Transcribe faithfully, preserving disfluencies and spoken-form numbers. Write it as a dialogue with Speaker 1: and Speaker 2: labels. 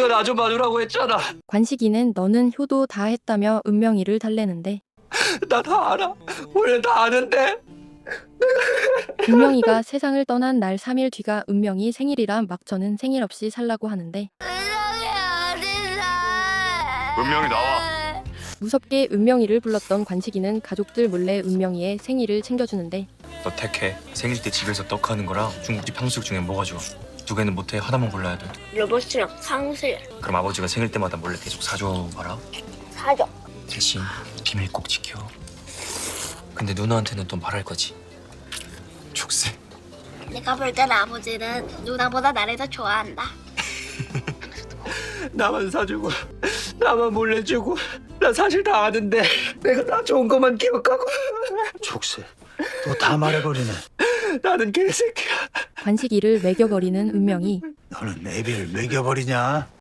Speaker 1: 네가 나 좀 봐주라고 했잖아.
Speaker 2: 관식이는 너는 효도 다 했다며 은명이를 달래는데
Speaker 1: 나 다 알아. 원래 다 아는데.
Speaker 2: 은명이가 세상을 떠난 날 삼 일 뒤가 은명이 생일이라 막 저는 생일 없이 살라고 하는데
Speaker 3: 은명이 나와.
Speaker 2: 무섭게 은명이를 불렀던 관식이는 가족들 몰래 은명이의 생일을 챙겨주는데
Speaker 4: 너 택해. 생일 때 집에서 떡하는 거랑 중국집 탕수육 중에 뭐가 좋아? 두 개는 못해. 하나만 골라야 돼.
Speaker 5: 로봇이랑 상실
Speaker 4: 그럼 아버지가 생일 때마다 몰래 계속 사줘 봐라.
Speaker 5: 사죠.
Speaker 4: 대신 비밀 꼭 지켜. 근데 누나한테는 또 말할 거지. 족쇄.
Speaker 5: 내가 볼 땐 아버지는 누나보다 나를 더 좋아한다.
Speaker 1: 나만 사주고 나만 몰래 주고 나 사실 다 아는데 내가 다 좋은 것만 기억하고.
Speaker 6: 족쇄 또 다 말해버리네.
Speaker 1: 나는 개새끼야.
Speaker 2: 관식이를 매겨버리는 은명이
Speaker 6: 너는 애비를 먹여버리냐?